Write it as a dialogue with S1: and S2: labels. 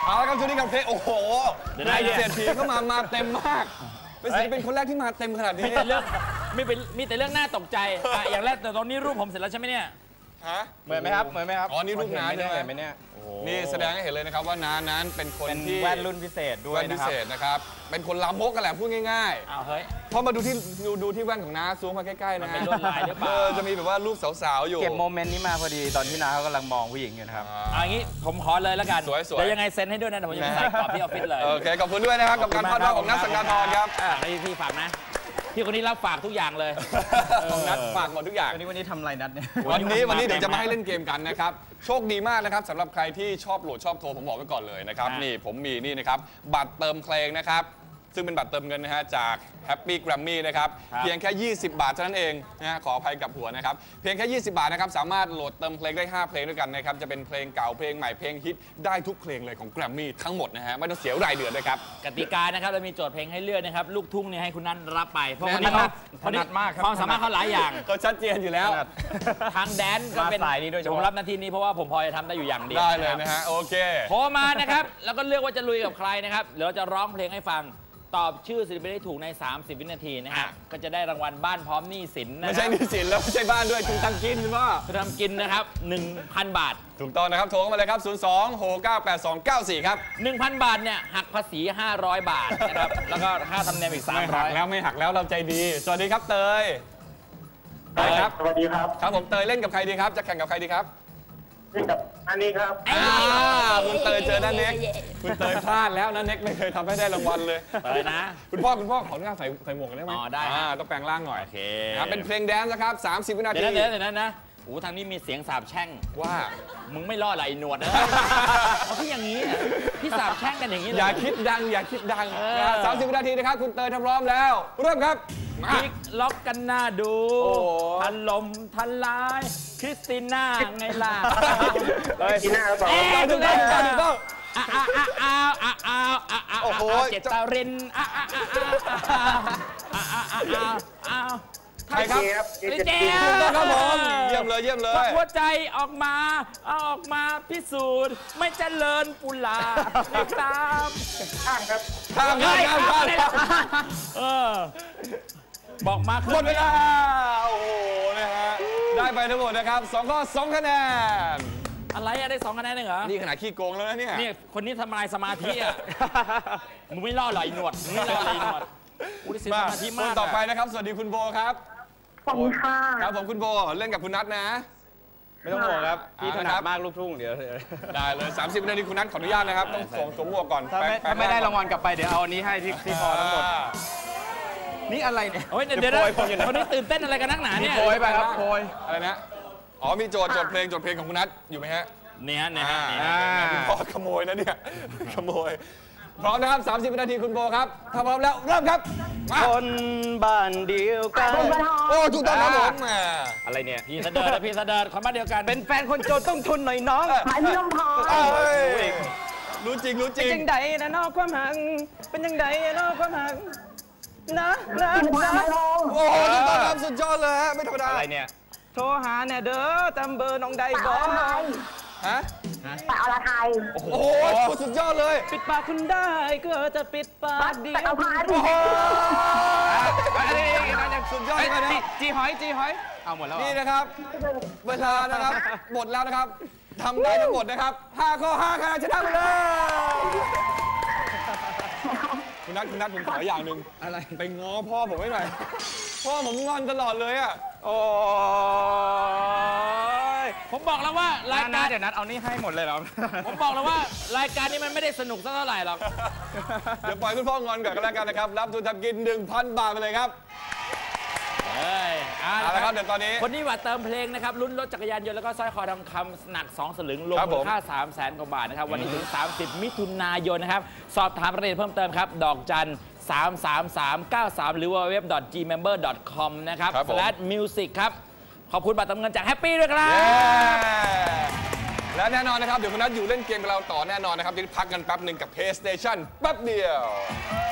S1: เอาละครับช่วงนี้กับเพลงโอ้โหนายเศรษฐีเข้ามาเต็มมากเป็นศิลปินคนแรกที่มาเต็มขนาดนี้
S2: มีแต่เรื่องน่าตกใจอย่างแรกแต่ตอนนี้รูปผมเสร็จแล้วใช่ไหมเนี่ย
S3: เหมือนไหมครับ
S1: อ๋อนี่รูปน้าใช่ไหม
S3: เนี่ย
S1: นี่แสดงให้เห็นเลยนะครับว่าน้านั้นเป็นคนที่
S3: แว่นรุ่นพิเศษด้วย
S1: นะครับเป็นคนลามกกันแหละพูดง่าย
S2: ๆเฮ้ย
S1: พอมาดูที่แว่นของน้าซูมมาใกล้ๆนะ
S2: เป็นลวดลายหรือเปล่า
S1: จะมีแบบว่ารูปสาวๆอยู่
S3: เก็บโมเมนต์นี้มาพอดีตอนที่น้าเขากำลังมองผู้หญิงอยู่นะครับ
S2: อย่างนี้ผมขอเลยแล้วกัน
S1: สวยๆ
S2: เดี๋ยวยังไงเซ็นให้ด้วยนะเดี๋ยวผมจะใส่กรอบที่ออฟฟิศเลย
S1: โอเคขอบคุณด้วยนะครับกับการพาดของนัทสังกาธรครับ
S2: พี่ฝากนะพี่คนนี้รับฝากทุกอย่างเลย
S1: นัดฝากหมดทุกอย่าง
S3: วันนี้ทำอะไรนัดเนี่ย
S1: วันนี้เดี๋ยวจะมาให้เล่นเกมกันนะครับโชคดีมากนะครับสำหรับใครที่ชอบโหลดชอบโทรผมบอกไว้ก่อนเลยนะครับนี่ผมมีนี่นะครับบัตรเติมเพลงนะครับซึ่งเป็นบัตรเติมเงินนะฮะจาก Happy Grammy นะครับเพียงแค่20 บาทเท่านั้นเองนะฮะขออภัยกับหัวนะครับเพียงแค่20 บาทนะครับสามารถโหลดเติมเพลงได้5เพลงด้วยกันนะครับจะเป็นเพลงเก่าเพลงใหม่เพลงฮิตได้ทุกเพลงเลยของ Grammy ทั้งหมดนะฮะไม่ต้องเสียรายเดือนด้วยครับ
S2: กติกานะครับเรามีโจทย์เพลงให้เลือกนะครับลูกทุ่งเนี่ยให้คุณนัทรับไปเพราะคนนี้
S3: ถนัดมากครับ
S2: ความสามารถเขาหลายอย่าง
S1: ก็ชัดเจนอยู่แล้ว
S2: ทางแดนก็เป็น
S3: สายนี้ด้วย
S2: ผมรับหน้าที่นี้เพราะว่าผมพอจะทำได้อยู่อย่างเดียว
S1: ได้เลยนะฮะโอเค
S2: โทรมานะครับแล้วก็เลือกว่าจะลุยกับใครนะครับเดี๋ยวเราจะร้องเพลงให้ฟังตอบชื่อศิลปินได้ถูกใน30 วินาทีนะฮะก็จะได้รางวัลบ้านพร้อมหนี้สินนะ
S1: ไม่ใช่หนี้สินแล้วไม่ใช่บ้านด้วยคุณตังกินหรือว่า
S2: คุณทำกินนะครับ 1,000 บาท
S1: ถูกต้องนะครับโทรเข้ามาเลยครับ02-698-294ครับ
S2: 1,000 บาทเนี่ยหักภาษี500 บาทนะครับแล้วก็ค่าธรรมเนียมอีก300
S1: ไม่หักแล้วเราใจดีสวัสดีครับเตย
S4: ครับสวัสดีครับ
S1: ครับผมเตยเล่นกับใครดีครับจะแข่งกับใครดีครับ
S4: เล่นกับอันนี้ครับ
S1: คุณเตยเจอน้าเน็กคุณเตยพลาดแล้วน้าเน็กไม่เคยทำให้ได้รางวัลเลย
S2: เตยนะ
S1: คุณพ่อขออนุญาตใส่หมวกได้ไหม
S2: ได้
S1: ต้องแปลงร่างหน่อย
S2: โอเค
S1: เป็นเพลงแดนซ์นะครับ30 วินาที
S2: เดี๋ยวนะโอ้ทางนี้มีเสียงสาบแช่ง
S1: ว่า
S2: มึงไม่รอดไหลหนวดนะเพราะพี่อย่างนี้พี่สาบแช่งกันอย่างนี้เลย
S1: อย่าคิดดัง30 วินาทีนะครับคุณเตยทำพร้อมแล้วเริ่มครับ
S2: พลิกล็อกกันหน้าดูทันลมทันลายคริสติน่าไงล่ะ
S4: คริสติน่าครับ
S1: ถูกต้อง
S2: โอ้โหเจตาริน
S1: ใครครับ
S2: เจ๊
S1: ครับผมเยี่ยมเลย
S2: หัวใจออกมาพิสูจน์ไม่เจริญปุลาไม่ตาม
S4: ข้ามครับ
S2: บอกมา
S1: หมดเวลาโอ้โหนะฮะได้ไปทั้งหมดนะครับ2 ข้อ 2 คะแนน
S2: อะไรอะได้2 คะแนนเองเหรอ
S1: นี่ขนาดขี้โกงแล้วนะเนี่ย
S2: คนนี้ทำลายสมาธิอะมึงไม่รอดหรอไอ้หนวดมึงไม่รอดไอ้หนวดอุ้ยเสียสมาธิมาก
S1: ต่อไปนะครับสวัสดีคุณโบครับ
S4: ขอบคุณค่ะ
S1: ครับผมคุณโบเล่นกับคุณนัทนะ
S3: ไม่ต้องห่วงครับพี่ถนัดมากลูกทุ่งเดี๋ยว
S1: ได้เลย30 วินาทีคุณนัทขออนุญาตนะครับต้องสวมหมวกก่อน
S3: ถ้าไม่ได้รางวัลกลับไปเดี๋ยวเอาอันนี้ให้ที่พอทั้งหมดนี่อะไรเนี่ย
S2: เดี๋ยวคนนี้ตื่นเต้นอะไรกันนักหนาเนี่ย
S3: โพยไปครับโพย
S1: อะไรนะอ๋อมีโจทย์เพลงของคุณนัทอยู่ไหมฮะ
S2: เนี่ย
S1: คุณพ่อขโมยนะเนี่ยขโมยพร้อมนะครับ30 วินาทีคุณโบครับถ้าพร้อมแล้วเริ่มครับ
S3: คนบ้านเดียวกัน
S1: โอ้ถูกต้องครับผม
S3: อะไรเนี่ย
S2: พี่เสด็จคนบ้านเดียวกัน
S3: เป็นแฟนคนจนต้องทุนหน่อยน้อง
S4: หมายพี่ลมพอ
S1: รู้จริง
S3: เป็นยังไงนะนอกความหังเป็นยังไงนอกความหังนะ
S1: โอ้โหถูกต้องครับสุดยอดเลยฮะไม่ธรรมดา
S3: อะไรเนี่ยโทรหาเนี่ยเด้อตามเบอร์น้องใดบอ
S1: ฮะ
S4: แต่อรไทย
S1: โอ้โหสุดยอดเลย
S3: ปิดปากคุณได้ก็จะปิดปากเดียว
S1: โอ้โห
S3: สุดยอดเลยนะจีหอยเอาหมดแล้ว
S1: นี่นะครับเวลานะครับหมดแล้วนะครับทำได้ทั้งหมดนะครับ5 ข้อ 5 คะแนนชนะไปเลยคุณนัทผมขออย่างหนึ่ง
S3: อะไร
S1: ไปง้อพ่อผมไม่หน่อยพ่อผมงอนตลอดเลยอ่ะ
S3: โอ้
S2: ผมบอกแล้วว่ารายการ
S3: เดี๋ยวนัดเอานี่ให้หมดเลยเหรอ
S2: ผมบอกแล้วว่ารายการนี้มันไม่ได้สนุกสักเท่าไหร่หรอก
S1: เดี๋ยวปล่อยคุณพ่องอนก่อนก็แล้วกันนะครับรับทุนทำกิน 1,000 บาทไปเลยครับเอาละครับเดี๋ยวตอนนี้
S2: คนนี้ว่าเติมเพลงนะครับลุ้นรถจักรยานยนต์แล้วก็สร้อยคอทองคำหนัก2 สลึงรวมมูลค่า300,000 กว่าบาทนะครับวันนี้ถึง30 มิถุนายนนะครับสอบถามรายละเอียดเพิ่มเติมครับดอกจัน33393หรือว่าwww.gmember.com นะครับ/music ครับขอบคุณบัตรเติมเงินจากแฮปปี้ด้วยครับ
S1: และแน่นอนนะครับเดี๋ยวคุณนัทอยู่เล่นเกมกับเราต่อแน่นอนนะครับเดี๋ยวพักกันแป๊บหนึ่งกับ PlayStation แป๊บเดียว